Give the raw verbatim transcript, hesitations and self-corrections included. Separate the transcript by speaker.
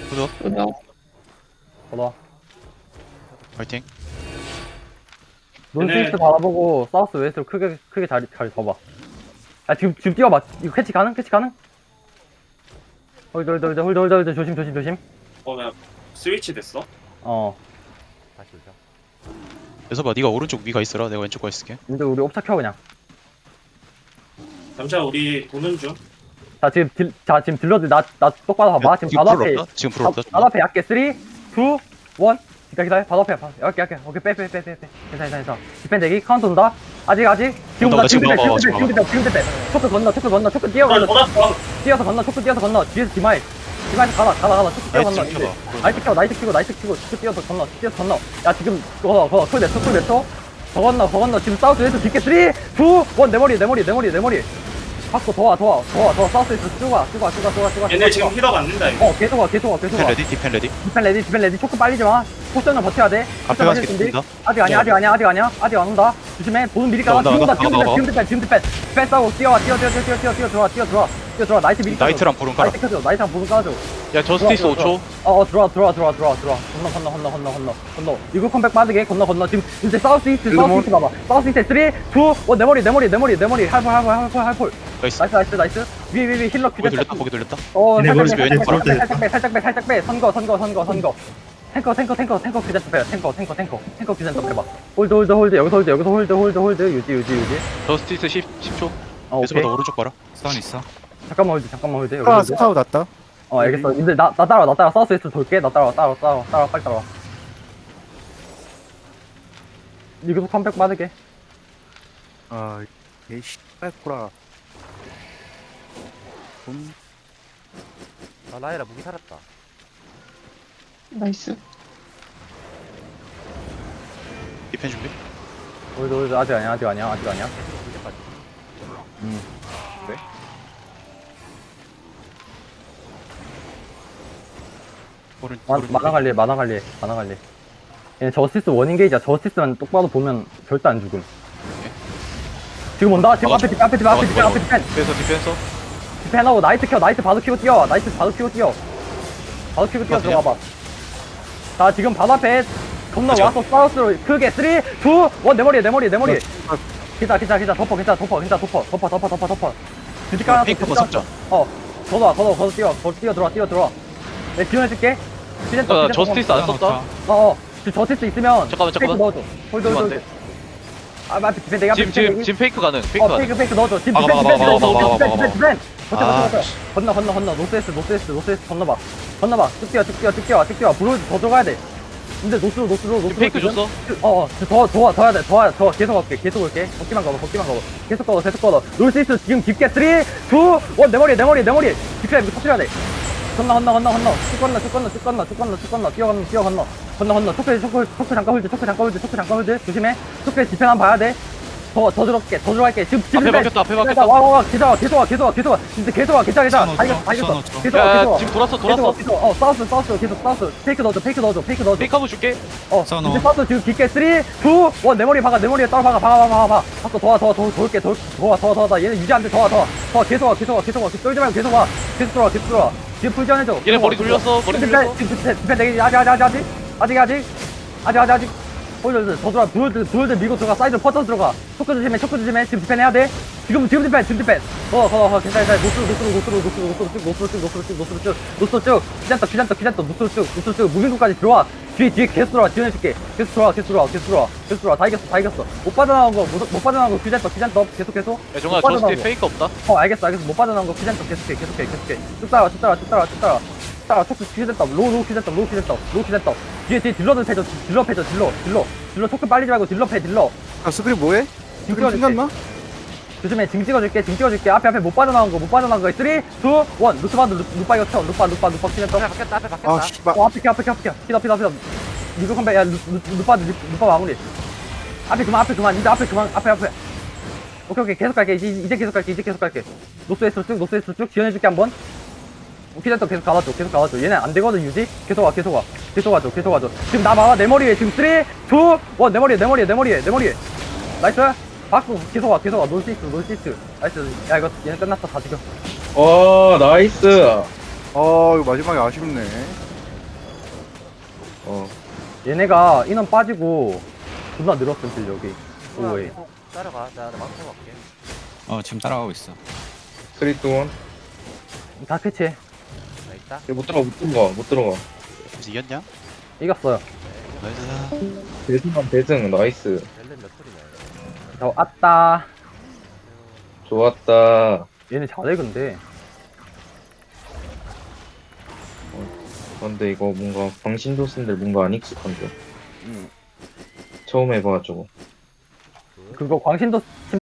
Speaker 1: 구독
Speaker 2: 구독.
Speaker 3: 걸어.
Speaker 1: 화이팅.
Speaker 3: 논스이스트 바라보고 사우스 웨스트로 크게 크게 자리 잘 접어. 아 지금 지금 뛰어봐. 이거 캐치 가능? 캐치 가능? 홀드 홀드 홀드 홀드 홀드 홀드 조심 조심 조심.
Speaker 4: 어, 나 스위치 됐어?
Speaker 3: 어.
Speaker 5: 다시 오자.
Speaker 1: 그래서 봐, 네가 오른쪽 위가 있어라. 내가 왼쪽 가 있을게.
Speaker 3: 근데 우리 옵차 켜 그냥.
Speaker 4: 잠시만 우리 도는 중.
Speaker 3: 자 지금 딜, 자 지금 딜러들 나 나 똑바로 봐봐. 지금 바로 앞에
Speaker 1: 불 없다? 지금 불 없다.
Speaker 3: 바로 앞에 약게 쓰리, 투, 일. 기다 기다. 바로 앞에 바- 약게 약게. 오케이 빼 빼 빼 빼 빼. 괜찮아 괜찮아. 디펜 대기 카운트 온다. 아직 아직. 지금
Speaker 1: 온다,
Speaker 3: 온다.
Speaker 1: 지금
Speaker 3: 지금 대
Speaker 1: 나와,
Speaker 3: 지금
Speaker 1: 지금
Speaker 3: 대 지금 대 지금 대. 초크 건너 초크 건너 초크 뛰어
Speaker 4: 아,
Speaker 3: 건너.
Speaker 4: 돌았어.
Speaker 3: 뛰어서 건너 초크 뛰어서 건너. 뒤에서 디마이. 디마이 가라 가라 가라. 초크 뛰어
Speaker 1: 나이트
Speaker 3: 건너.
Speaker 1: 좀 켜봐.
Speaker 3: 나이트 켜 나이트 키고 나이트 키고 초크 뛰어서 건너 뛰어서 건너. 야 지금 그거 그거 쿨 냈어 쿨 냈어. 더 건너 더 건너. 지금 사우스 웨스트 뒷게 쓰리, 투, 일. 내 머리 내 머리 내 머리 내 머리. 받고 더와 더와 더와 더 사우스 웨스트 쭉와 쭉와 쭉와 쭉와 쭉와.
Speaker 4: 얘네 지금 힐업 안 된다 이거.
Speaker 3: 어 계속 와 계속 와 계속
Speaker 1: 디펜
Speaker 3: 와.
Speaker 1: 레디, 디펜 레디.
Speaker 3: 디펜 레디 디펜 레디 초크 빨리지 마. 포션은 버텨야 돼.
Speaker 1: 앞에
Speaker 3: 포션
Speaker 1: 가서
Speaker 3: 맞을 준비.
Speaker 1: 겠습니다.
Speaker 3: 아직 아니야 아직 아니야 아직 아니야 아직 안 온다. 조심해. 보는 미리 까봐.
Speaker 1: 온다,
Speaker 3: 지금 온다
Speaker 1: 온다,
Speaker 3: 지금
Speaker 1: 온다,
Speaker 3: 디펜 지금 디펜 지금 디펜 디펜 싸고 뛰어와 뛰어 뛰어 뛰어 뛰어 뛰어 뛰어 들어와 뛰어 들어와 뛰어 들어와. 나이트 미리 까줘.
Speaker 1: 나이트랑 불은 깔아.
Speaker 3: 나이트 켜줘 나이트랑 보는 까줘.
Speaker 5: 야 저스티스
Speaker 3: 들어와,
Speaker 5: 오 초.
Speaker 3: 어어 들어와 들어와 들어와 들어와 들어와. 건너 건너 건너 건너 건너 건너. 이거 컴백 빠르게 건너 건너. 지금 이제 사우스 이스트 사우스 이스트 봐봐. 사우스 이스트 쓰리, 투, 일. 내 머리 내 머리 내 머리 내 머리 할볼 할볼 할볼 할볼.
Speaker 1: 나이스.
Speaker 3: 나이스 나이스 나이스. 위 위 위 힐러
Speaker 1: 거기
Speaker 3: 큐
Speaker 1: 돌렸다, 거기 돌렸다.
Speaker 3: 어,
Speaker 1: 얘네
Speaker 3: 살짝
Speaker 1: 머리
Speaker 3: 빼,
Speaker 1: 왼쪽 바로
Speaker 3: 살짝 빼, 살짝 빼, 살짝 빼, 선거, 선거, 선거, 선거. 탱커, 탱커, 탱커, 탱커 규제트 빼요. 탱커, 탱커, 탱커, 탱커 규제트 빼봐. 홀드, 홀드, 홀드, 여기서 홀드, 여기서 홀드, 홀드, 홀드, 유지, 유지, 유지.
Speaker 5: 저스티스 십, 십 초.
Speaker 3: 어,
Speaker 1: 그래서
Speaker 3: 오케이.
Speaker 1: 봐, 너 오른쪽 봐라.
Speaker 6: 스턴 있어.
Speaker 3: 잠깐만 홀드, 잠깐만 홀드. 여기
Speaker 6: 아,
Speaker 3: 홀드.
Speaker 6: 스타우 났다.
Speaker 3: 어, 알겠어. 근데 나, 나 따라와, 나 따라와. 사우스 웨스트 돌게. 나 따라와, 따라와, 따라와, 따라와, 빨리 따라와. 이거 컴백 빠르게.
Speaker 6: 아, 에이씨, 빨코라. 음,
Speaker 5: 아 라이라 무기 살았다.
Speaker 2: 나이스.
Speaker 1: 디펜 준비.
Speaker 3: 홀드, 홀드. 아직 아니야, 아직 아니야, 아직 아니야.
Speaker 5: 이제까지.
Speaker 3: 음.
Speaker 1: 오른,
Speaker 3: 마,
Speaker 1: 오른.
Speaker 3: 만화 관리, 만화 관리, 만화 관리. 얘 저스티스 원인 게이지야. 저스티스만 똑바로 보면 절대 안 죽음. 지금 온다. 지금 앞에 디펜, 앞에 디펜, 앞에 디펜, 앞에 디펜.
Speaker 5: 디펜서 디펜서.
Speaker 3: 디펜하고 나이트 켜, 나이트 바로 키고 뛰어. 나이트 바로 키고 뛰어. 바로 키고 뛰어
Speaker 1: 맞아요?
Speaker 3: 들어가봐. 자, 지금 바로 앞에 건너
Speaker 1: 그죠?
Speaker 3: 와서 사우스로 크게 쓰리, 투, 일. 내 머리에, 내 머리에, 내 머리에. 기다, 기다, 기다. 덮어, 기다, 덮어, 기다, 덮어, 덮어, 덮어, 덮어, 덮어. 주지 깔아서
Speaker 1: 핑크
Speaker 3: 주지
Speaker 1: 거
Speaker 3: 깔아서.
Speaker 1: 섞자.
Speaker 3: 어, 걷어와, 걷어, 걷어 뛰어, 걷어 뛰어 들어와, 뛰어 들어와. 내 지원해줄게. 시즌
Speaker 5: 나 저스티스 안 썼다.
Speaker 3: 어, 어. 지금 저스티스 있으면
Speaker 5: 잠깐만,
Speaker 3: 페이크
Speaker 5: 잠깐만.
Speaker 3: 넣어줘. 홀드, 홀드,
Speaker 5: 이거 안
Speaker 3: 홀드.
Speaker 5: 돼.
Speaker 3: 아, 앞에 디펜 내가 앞에
Speaker 5: 지금
Speaker 3: 디펜
Speaker 5: 지금
Speaker 3: 대기.
Speaker 5: 지금 페이크 가능. 페이크
Speaker 3: 어,
Speaker 5: 가능.
Speaker 3: 페이크 페이크 넣어줘. 지금
Speaker 1: 막아,
Speaker 3: 디펜
Speaker 1: 막아,
Speaker 3: 디펜
Speaker 1: 막아,
Speaker 3: 디펜
Speaker 1: 막아,
Speaker 3: 디펜
Speaker 1: 막아,
Speaker 3: 디펜 디펜. 버텨
Speaker 1: 아,
Speaker 3: 버텨 버텨. 건너 건너 건너. 노스웨스트 노스웨스트 노스웨스트 건너봐. 건너봐. 쭉 뛰어 쭉 뛰어 쭉 뛰어 쭉 뛰어. 브로 더 들어가야 돼. 근데 노스로 노스로 노스로.
Speaker 5: 페이크 줬어?
Speaker 3: 어어. 더더 더 해야 돼. 더 더 계속 갈게. 계속 올게. 걷기만 걸어. 걷기만 걸어. 계속 걸어. 계속 걸어. 노스웨스트 지금 깊게 쓰리, 투, 일. 내 머리 내 머리 내 머리. 깊게 이거 터뜨려야 돼. 건너 건너 건너 건너. 쭉 건너 쭉 건너 쭉 건너 쭉 건너 쭉 건너. 뛰어 건너 뛰어 건너. 건너 건너. 초크 초크 초크 잠깐 홀드. 초크 잠깐 홀드. 초크 잠깐 홀드. 조심해. 초크에 디펜 한번 봐야 돼. 더, 더 들어갈게, 더 들어갈게. 지금, 지금.
Speaker 5: 앞에 막혔다, 앞에 막혔다.
Speaker 3: 와, 와, 와, 계속 와, 계속 와, 계속 와, 계속 와. 진짜 계속 와, 계속 와, 계속 와. 다 이겼어, 다 이겼어.
Speaker 6: 선 넣었죠.
Speaker 3: 계속 와, 계속
Speaker 5: 야
Speaker 3: 와.
Speaker 5: 지금 돌았어
Speaker 3: 계속 와,
Speaker 5: 돌았어.
Speaker 3: 계속 와. 어, 사우스, 사우스, 계속 사우스. 페이크 넣어줘, 페이크 넣어줘, 페이크 넣어줘, 페이크 넣어줘.
Speaker 5: 페이크 한번 줄게.
Speaker 3: 어,
Speaker 6: 선
Speaker 3: 이제
Speaker 6: 넣어.
Speaker 3: 사우스 지금 깊게 쓰리, 투, 일. 내 머리에 박아, 내 머리에 따라 박아, 박아, 박아, 박아, 박아. 박고 더 와, 더 와, 더, 더 올게, 더, 더 와, 더 와, 더 와. 얘는 유지 안 돼, 더 와, 더 와. 더 와, 계속 와, 계속 와, 계속 와. 쫄지 말고 계속 와. 계속 들어와, 계속 들어와. 지금 풀전 해줘.
Speaker 5: 얘네 머리 돌렸어. 머리
Speaker 3: 지금
Speaker 5: 돌렸어.
Speaker 3: 디펜, 지금 디펜 되게 아직, 아직, 아직, 아직, 아직, 아직, 아직, 아직, 아직. 홀드, 더 들어와, 두홀드, 두홀드 밀고 들어가, 사이드 퍼져 들어가. 초크 조심해, 초크 조심해. 지금 디펜 해야 돼. 지금, 지금 디펜, 지금 디펜. 어, 어, 어, 괜찮아, 괜찮아. 노스로, 노스로, 노스로, 노스로, 노스로 쭉, 노스로 쭉, 노스로 쭉, 노스로 쭉, 노스로 쭉. 귀잔다, 귀잔다, 귀잔다, 노스로 쭉, 노스로 쭉. 무빙구까지 들어와. 뒤에, 뒤에 계속 들어와, 지원해줄게. 계속 들어와, 계속 들어와, 계속 들어와, 계속 들어와. 다 이겼어, 다 이겼어. 못 빠져나온 거, 못, 못 빠져나온 거, 귀잔다, 귀잔다, 계속, 계속.
Speaker 5: 야 종아
Speaker 3: 못 빠져나온
Speaker 5: 저스티
Speaker 3: 거.
Speaker 5: 페이크 없다.
Speaker 3: 어, 알겠어, 알겠어. 못 빠져나온 거 귀잔다, 계속해, 계속해, 계속해. 쭉 따라와, 쭉 따라와, 쭉 따라와, 쭉 따라와. 따라 초크 퀴즈했다 로우 로우 퀴즈했다 로우 퀴즈했다 로우 퀴즈했다 뒤에 뒤에 딜러들 패줘 딜러 패줘 딜러 딜러 딜러 초크 빨리지 말고 딜러 패 딜러
Speaker 6: 아, 스크린 뭐해?
Speaker 3: 징
Speaker 6: 스크린
Speaker 3: 찍어줄게
Speaker 6: 생각나?
Speaker 3: 조심해 징 찍어줄게 징 찍어줄게 앞에 앞에 못 빠져나온 거 못 빠져나온 거 쓰리, 투, 일 루트바드 루빠 이거 쳐 루빠 루빠 루빠 퀴즈했다
Speaker 5: 앞에 바뀌었다. 앞에 바뀌었다.
Speaker 6: 아, 씨발.
Speaker 3: 어 앞에 켜 앞에 켜 앞에 켜 피다 피다 피다 리그 컴백 야 루, 루, 루빠 루, 루빠 마무리 앞에 그만 앞에 그만 이제 앞에 그만 앞에 앞에 오케이 오케이 계속 갈게 이제, 이제 계속 갈게 이제 계속 갈게 노스웨스트 쭉 노스웨스트 쭉 지원해줄게 한번 피자도 계속 가봐줘 계속 가봐줘 얘네 안 되거든 유지 계속 와 계속 와 계속 와줘 계속 와줘 지금 나 봐봐 내 머리에 지금 쓰리, 투, 일 내 머리에 내 머리에 내 머리에 내 머리에 나이스 받고 계속 와 계속 와 놀시스 놀시스 나이스 야 이거 얘네 끝났어 다 죽여
Speaker 2: 오, 나이스.
Speaker 6: 아, 이거 마지막에 아쉽네.
Speaker 2: 어
Speaker 3: 얘네가 인원 빠지고 존나 늘었음 실력이. 오에.
Speaker 7: 계속 따라가. 나 망쳐 갈게.
Speaker 8: 어 지금 따라가고 있어.
Speaker 2: 쓰리 투 원
Speaker 3: 다 캐치해.
Speaker 7: 나 있다.
Speaker 2: 못 들어가 못 들어가 못 들어가
Speaker 1: 그래서 이겼냐?
Speaker 3: 이겼어요.
Speaker 1: 나이스.
Speaker 2: 대승한 대승 나이스
Speaker 7: 렐렌 몇 툴이냐.
Speaker 3: 저 왔다.
Speaker 2: 좋았다
Speaker 3: 얘네 잘해 근데.
Speaker 2: 근데 이거 뭔가 광신도슨들 뭔가 안 익숙한데
Speaker 3: 음.
Speaker 2: 처음 해봐가지고
Speaker 3: 그거 광신도